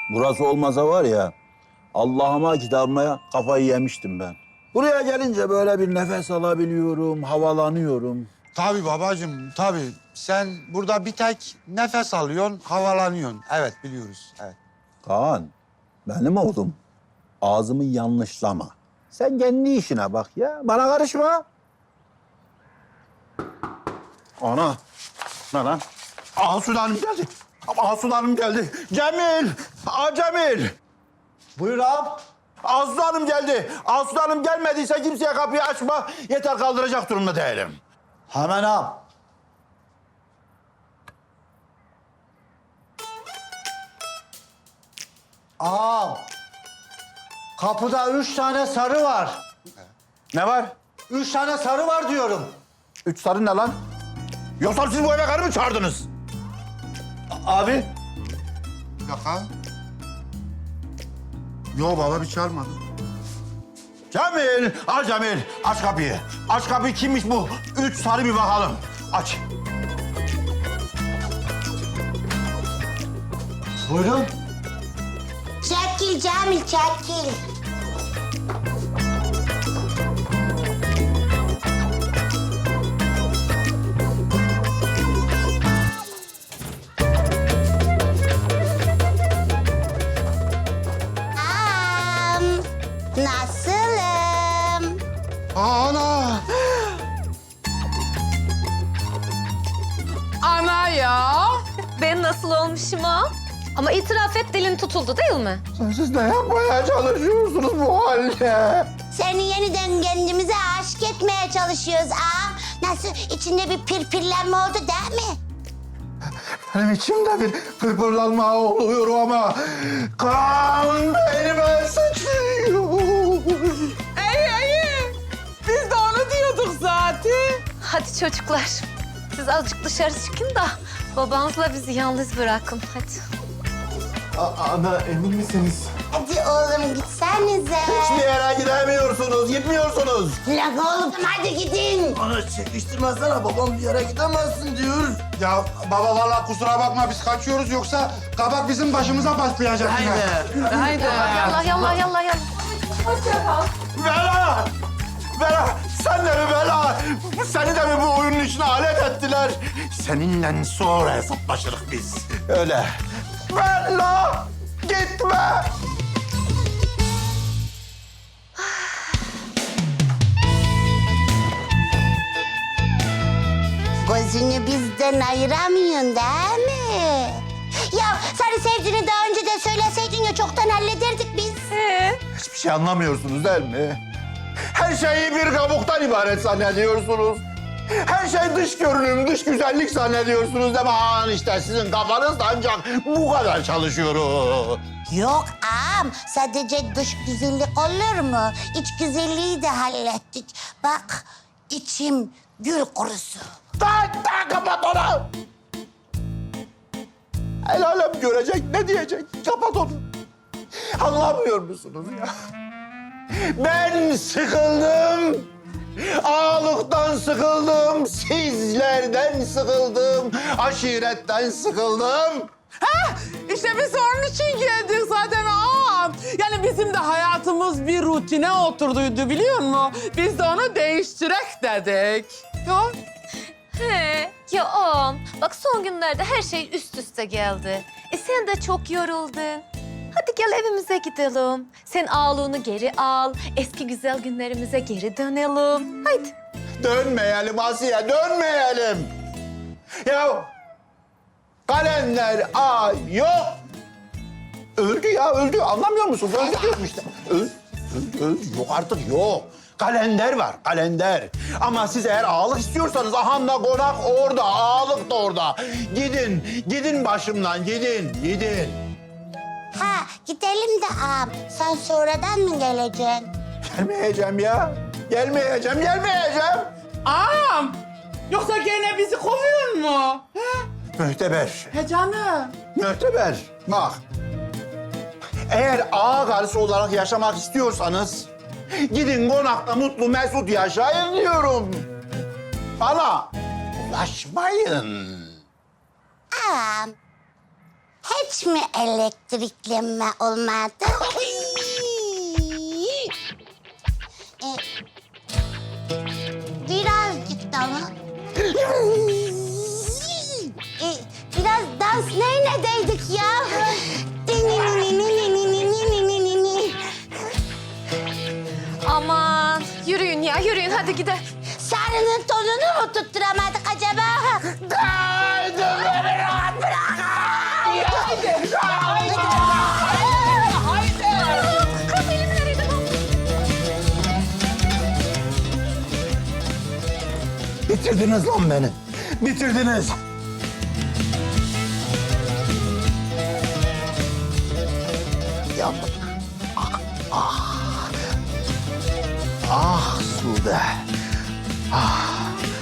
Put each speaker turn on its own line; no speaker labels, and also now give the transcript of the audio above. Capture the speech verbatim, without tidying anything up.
Burası olmasa var ya, Allah'ıma kitabıma kafayı yemiştim ben. Buraya gelince böyle bir nefes alabiliyorum, havalanıyorum.
Tabii babacığım, tabii. Sen burada bir tek nefes alıyorsun, havalanıyorsun. Evet, biliyoruz. Evet.
Kaan, benim oğlum. Ağzımı yanlışlama. Sen kendi işine bak ya, bana karışma. Ana, ne lan? Asude Hanım geldi. Asude Hanım geldi. Cemil, Aa Cemil.
Buyur ağam.
Asude Hanım geldi. Asude Hanım gelmediyse kimseye kapıyı açma. Yeter kaldıracak durumda değilim.
Hemen ağam. Ağam. Kapıda üç tane sarı var.
Ne var?
Üç tane sarı var diyorum.
Üç sarı ne lan? Yoksa siz bu eve karı mı çağırdınız?
Abi.
Bir dakika. Yo baba, bir çağırmadı.
Cemil, al Cemil. Aç kapıyı. Aç kapıyı, kimmiş bu? Üç sarı bir bakalım. Aç.
Buyurun.
Çekil Cemil, çekil. Am, nasılım?
Ana!
Ana ya.
Ben nasıl olmuşum ha? Ama itiraf et, dilin tutuldu değil mi?
Siz ne yapmaya çalışıyorsunuz bu halde?
Seni yeniden kendimize aşık etmeye çalışıyoruz ağam. Nasıl, içinde bir pirpirlenme oldu değil mi?
Benim içimde bir pırpırlanma oluyor ama kan beynime sıçrıyor.
İyi iyi. Biz de onu diyorduk zaten.
Hadi çocuklar, siz azıcık dışarı çıkın da babanızla bizi yalnız bırakın hadi.
Ana emin misiniz?
Hadi oğlum gitsenize.
Hiçbir yere gidemiyorsunuz, gitmiyorsunuz.
Lan oğlum hadi gidin.
Ana çekiştirmezsene, babam bir yere gidemezsin diyor.
Ya baba vallahi kusura bakma, biz kaçıyoruz, yoksa kabak bizim başımıza patlayacak yine.
Haydi.
Yallah yallah yallah yallah.
Bela! Bela! Sen de mi Bela? Seni de mi bu oyunun içine alet ettiler? Seninle sonra hesaplaşırız biz. Öyle. Bela! Gitme!
Gözünü bizden ayıramıyorsun değil mi? Ya seni sevdiğini daha önce de söyleseydin ya çoktan hallederdik biz.
Hiçbir şey anlamıyorsunuz değil mi? Her şeyi bir kabuktan ibaret zannediyorsunuz. Her şey dış görünüm, dış güzellik zannediyorsunuz değil mi? Aman işte sizin kafanız da ancak bu kadar çalışıyor.
Yok ağam, sadece dış güzellik olur mu? İç güzelliği de hallettik. Bak, içim gül kurusu.
Tak tak kapat onu! El alem görecek, ne diyecek? Kapat onu. Anlamıyor musunuz ya? Ben sıkıldım. Ağalıktan sıkıldım, sizlerden sıkıldım, aşiretten sıkıldım.
İşte biz onun için geldik zaten ağam. Yani bizim de hayatımız bir rutine oturduydu biliyor musun? Biz de onu değiştirek dedik. Ya.
He, ya oğlum, bak son günlerde her şey üst üste geldi. E sen de çok yoruldun. Hadi gel evimize gidelim. Sen ağlığını geri al, eski güzel günlerimize geri dönelim. Haydi.
Dönmeyelim Asiye, dönmeyelim. Ya kalender ay yok. Öldü ya, öldü. Anlamıyor musun? Öldü diyorum işte. Öldü, öldü, öldü. Yok artık, yok. Kalender var, kalender. Ama siz eğer ağalık istiyorsanız ahanda konak orada, ağalık da orada. Gidin, gidin başımdan, gidin, gidin.
Ha, gidelim de ağam. Sen sonradan mı geleceksin?
Gelmeyeceğim ya. Gelmeyeceğim, gelmeyeceğim.
Ağam. Yoksa gene bizi kovuyor mu? He,
Mühteber,
he canım.
mühteber. Bak. Eğer ağa karısı olarak yaşamak istiyorsanız gidin konakta mutlu mesut yaşayın diyorum. Bana ulaşmayın.
Ağam, Hiç mi elektriklenme olmadı? e, birazcık da mı? e, biraz dans neynedeydik ya?
Aman yürüyün ya yürüyün hadi gidelim.
Sarının tonunu mu tutturamadık acaba? Haydi beni rahat bırakın!
Kız elimi nereye bak.
Bitirdiniz lan beni. Bitirdiniz. Yandım. Ah, ah. Ah Sude. Ah.